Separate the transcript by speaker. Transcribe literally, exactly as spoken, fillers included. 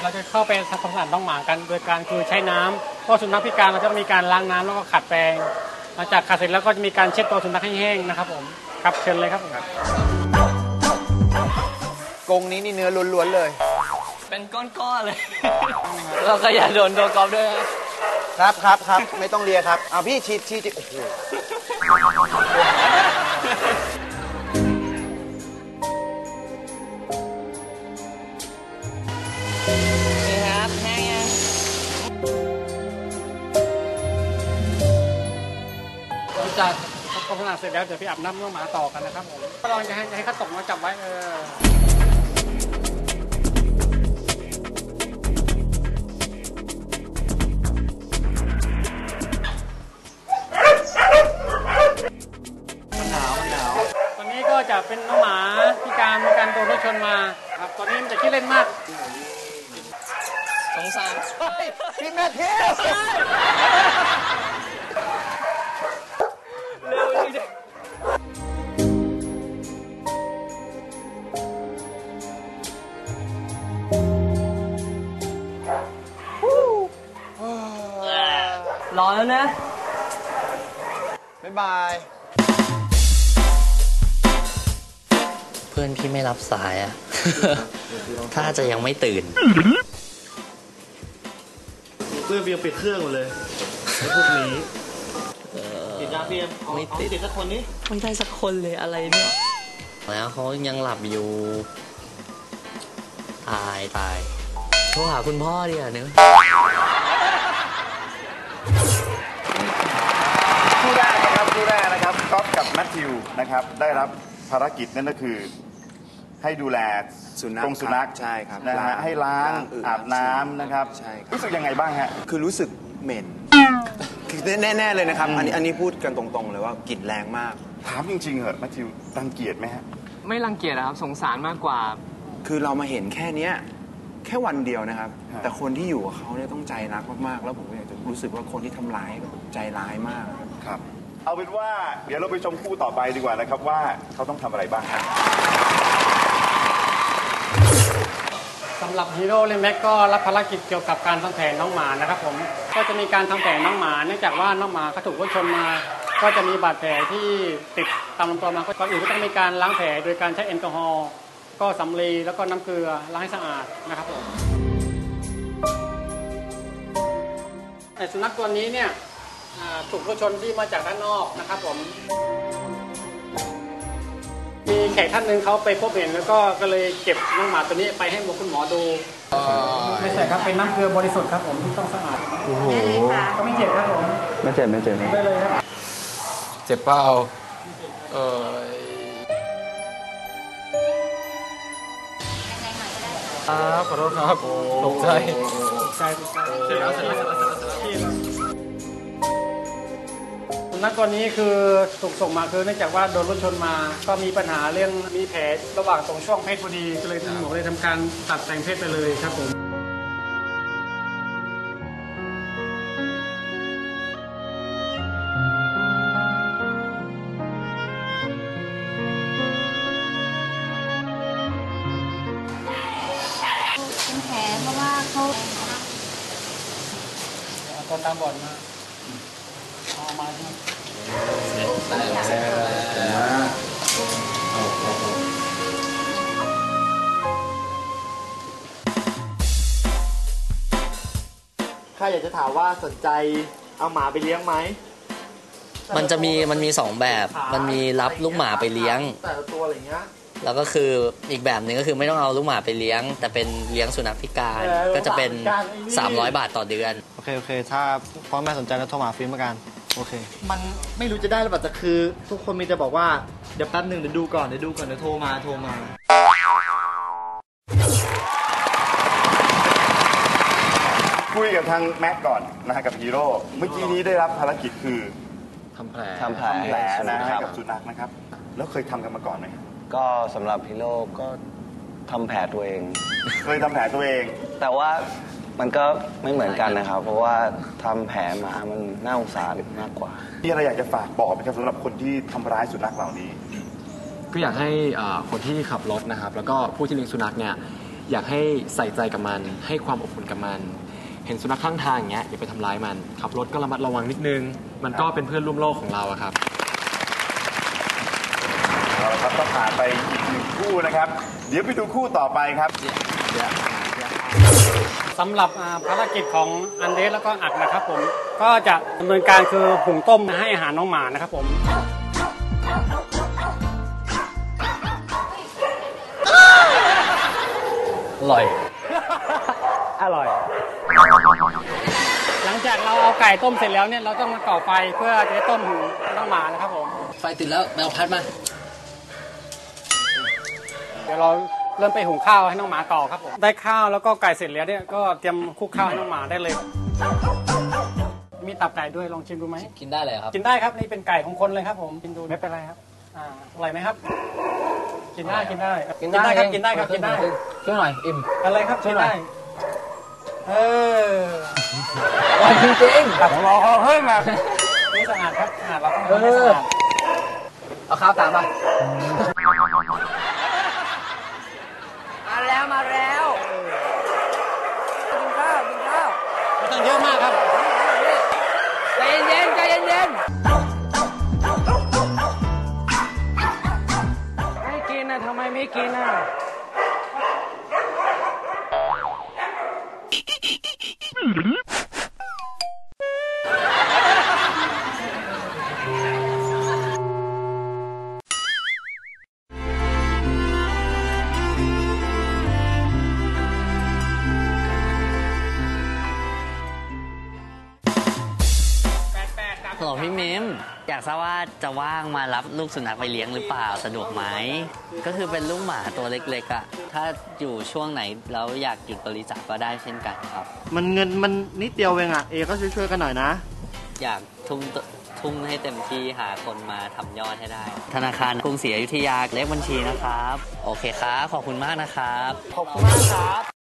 Speaker 1: เราจะเข้าไปทำความสะอาดน้องหมากันโดยการคือใช้น้ำเพราะสุนัขพิการเราจะมีการล้างน้ำแล้วก็ขัดแปรงหลังจากขัดเสร็จแล้วก็จะมีการเช็ดตัวสุนัขให้แห้งนะครับผมครับเชิญเลยครับผม
Speaker 2: กรงนี้นี่เนื้อล้วนๆเลย
Speaker 3: เป็นก้อนๆเลยเราก็อย่าโดนตัวกอล์ฟด้วย
Speaker 2: ครับครับครับไม่ต้องเลียครับเอาพี่ชีดชีดโอ้โห
Speaker 3: นี่ครับแห้งยัง
Speaker 1: จากความสะอาดเสร็จแล้วเดี๋ยวพี่อาบน้ำน้องหมาต่อกันนะครับผมก็ลองจะให้ให้เขาตกมาจับไว้เออตอนนี้ก็จะเป็นน้องหมาพิการมีการโดนรถชนมาครับตอนนี้มันจะขี้เล่นมาก
Speaker 3: สงสาร
Speaker 2: พี่แม่เทพ
Speaker 3: เร็วจริงรอแล้วนะ
Speaker 2: บ๊ายบาย
Speaker 3: เพื่อนพี่ไม่รับสายอ่ะ ถ้าจะยังไม่ตื่น
Speaker 4: เพื่อนเบียงปิดเครื่องหมดเลยไอ้พวกนี้ติดยาเบียงไม่ติดติดสักคนนี้
Speaker 3: ไม่ได้สักคนเลยอะไรเนี่ยแล้วเขายังหลับอยู่ตายตายโทรหาคุณพ่อดิอ่ะเนื้อ
Speaker 5: คู่แรกนะครับคู่แรกนะครับก๊อฟกับแมทธิวนะครับได้รับภารกิจนั่นก็คือให้ดูแล
Speaker 2: สุนัข
Speaker 5: กรงสุนัข
Speaker 2: ใช่ครับ
Speaker 5: นะฮะให้ล้างอาบน้ำนะครับ
Speaker 2: ใช่
Speaker 5: รู้สึกยังไงบ้างฮะ
Speaker 2: คือรู้สึกเหม็นคือแน่ๆเลยนะครับอันนี้อันนี้พูดกันตรงๆเลยว่ากลิ่นแรงมาก
Speaker 5: ถามจริงๆเหรอแมทธิวรังเกียจไหมฮะ
Speaker 6: ไม่รังเกียจนะครับสงสารมากกว่า
Speaker 2: คือเรามาเห็นแค่เนี้ยแค่วันเดียวนะครับแต่คนที่อยู่กับเขาเนี่ยต้องใจรักมากๆแล้วผมอยากจะรู้สึกว่าคนที่ทำร้ายใจร้ายมาก
Speaker 5: ครับเอาเป็นว่าเดี๋ยวเราไปชมคู่ต่อไปดีกว่านะครับว่าเขาต้องทำอะไรบ้าง
Speaker 1: สำหรับฮีโร่เลแม็กก็รับภารกิจเกี่ยวกับการทำแผลน้องหมานะครับผมก็จะมีการทำแผลน้องหมาเนื่องจากว่าน้องหมาเขาถูกรถชนมาก็จะมีบาดแผลที่ติดตามลำตัวมาก่อนอื่นก็ต้องมีการล้างแผลโดยการใช้แอลกอฮอล์ก็สำลีแล้วก็น้ำเกลือล้างให้สะอาดนะครับผมแต่สุนัขตัวนี้เนี่ยถูกรถชนที่มาจากด้านนอกนะครับผมมีแขกท่านหนึ่งเขาไปพบเห็นแล้วก็ก็เลยเก็บน้องหมาตัวนี้ไปให้คุณหมอดูไม่ใช่ครับเป็นน้ำเกลือบริสุทธิ์ครับผมที่ต้องสะอาดโอ้โหก็ไม่เจ็บครับผม
Speaker 4: ไม่เจ็บไม่เจ็บ
Speaker 1: ได้เลยครับ
Speaker 4: เจ็บเปล่าเออครับขอโทษครับตกใจ
Speaker 1: ตกใจตกใจเสร็จแล้วเสร็จแล้วสุนัขตัวนี้คือถูกส่งมาคือเนื่องจากว่าโดนรถชนมาก็มีปัญหาเรื่องมีแผลระหว่างตรงช่วงเพศพอดีก็เลยหมอเลยทำการตัดแต่งเพศไปเลยครับผม
Speaker 7: เป็นแผลเพราะว่าเขา
Speaker 1: ตอนตามบอดมาเอามาใช่ไหม
Speaker 8: ข้าอยากจะถามว่าสนใจเอาหมาไปเลี้ยงไหม
Speaker 3: มันจะมีมันมีสองแบบมันมีรับลูกหมาไปเลี้ยง
Speaker 8: แต่ละตัวอะไรเงี้ย
Speaker 3: แล้วก็คืออีกแบบหนึ่งก็คือไม่ต้องเอาลูกหมาไปเลี้ยงแต่เป็นเลี้ยงสุนัขพิการก็จะเป็นสามร้อยบาทต่อเดือน
Speaker 4: โอเคโอเคถ้าพ่อแม่สนใจแล้วโทรหาฟิล์มกันโอเค
Speaker 8: มันไม่รู้จะได้หรือเปล่าแต่คือทุกคนมีแต่บอกว่าเดี๋ยวแป๊บหนึ่งเดี๋ยวดูก่อนเดี๋ยวดูก่อนเดี๋ยวโทรมาโทรมา
Speaker 5: คุยกับทางแม็กก่อนนะฮะกับฮีโร่เมื่อกี้นี้ได้รับภารกิจคือ
Speaker 4: ทำแผล
Speaker 5: ทำแผลนะให้กับสุนัขนะครับแล้วเคยทำกันมาก่อนไหม
Speaker 9: ก็สำหรับฮีโร่ก็ทำแผลตัวเอง
Speaker 5: เคยทำแผลตัวเอง
Speaker 9: แต่ว่ามันก็ไม่เหมือนกันนะครับเพราะว่าทำแผลมามันน่าสงสารมากกว่า
Speaker 5: มีอะไรอยากจะฝากบอกไหมครับสำหรับคนที่ทำร้ายสุนัขเหล่านี้
Speaker 4: ก็อยากให้คนที่ขับรถนะครับแล้วก็ผู้ที่เลี้ยงสุนัขเนี่ย
Speaker 10: อยากให้ใส่ใจกับมันให้ความอบอุ่นกับมันเห็นสุนัขข้างทางอย่างเงี้ยอย่าไปทำร้ายมันขับรถก็ระมัดระวังนิดนึงมันก็เป็นเพื่อนร่วมโลกของเราอะครับ
Speaker 5: เอาละครับก็ผ่านไปอีกหนึ่งคู่นะครับเดี๋ยวไปดูคู่ต่อไปครับ
Speaker 1: สำหรับภารกิจของอันเดสแล้วก็อัดนะครับผมก็จะดำเนินการคือหุงต้มให้อาหารน้องหมานะครับผม
Speaker 3: อร่อย
Speaker 1: อร่อย หลังจากเราเอาไก่ต้มเสร็จแล้วเนี่ยเราต้องมาก่อไฟเพื่อจะได้ต้มหุงน้องหมานะครับผม
Speaker 3: ไฟติดแล้วแมวพัดมา
Speaker 1: เดี๋ยวเราเริ่มไปหุงข้าวให้น้องหมาต่อครับผมได้ข้าวแล้วก็ไก่เสร็จแล้วเนี่ยก็เตรียมคลุกข้าวให้น้องหมาได้เลยมีตับไก่ด้วยลองชิมดูไหม
Speaker 3: กินได้เลยครับ
Speaker 1: กินได้ครับนี่เป็นไก่ของคนเลยครับผมกินดูไม่เป็นไรครับอ่าอร่อยไหมครับกินได้กินได้กินได้ครับกินได้ครับกินได้
Speaker 3: ช่วยหน่อยอิ่ม
Speaker 1: อะไรครับกินได้เออ
Speaker 3: จริงจริง
Speaker 1: รอเฮ้ยมานี่สะอาดครับสะอาดเราต้องทำให้สะอาด
Speaker 3: เอาข้าวตามมามาแล้วมาแล้วกินข้าวกินข้าว
Speaker 1: ไม่ต้องเยอะมากครับ
Speaker 3: ใจเย็นๆใจเย็นๆ
Speaker 1: ไม่กินนะทำไมไม่กินอ่ะ
Speaker 3: ฮัลโหลพี่มิมอยากทราบว่าจะว่างมารับลูกสุนัขไปเลี้ยงหรือเปล่าสะดวกไหมก็คือเป็นลูกหมาตัวเล็กๆอ่ะถ้าอยู่ช่วงไหนแล้วอยากหยุดบริจาคก็ได้เช่นกันครับ
Speaker 8: มันเงินมันนิดเดียวเองอ่ะเอก็ช่วยๆกันหน่อยนะ
Speaker 3: อยากทุ่มทุ่มให้เต็มที่หาคนมาทำยอดให้ได้ธนาคารกรุงศรีอยุธยาเลขบัญชีนะครับโอเคครับขอบคุณมากนะครับ
Speaker 8: ขอบคุณมากครับ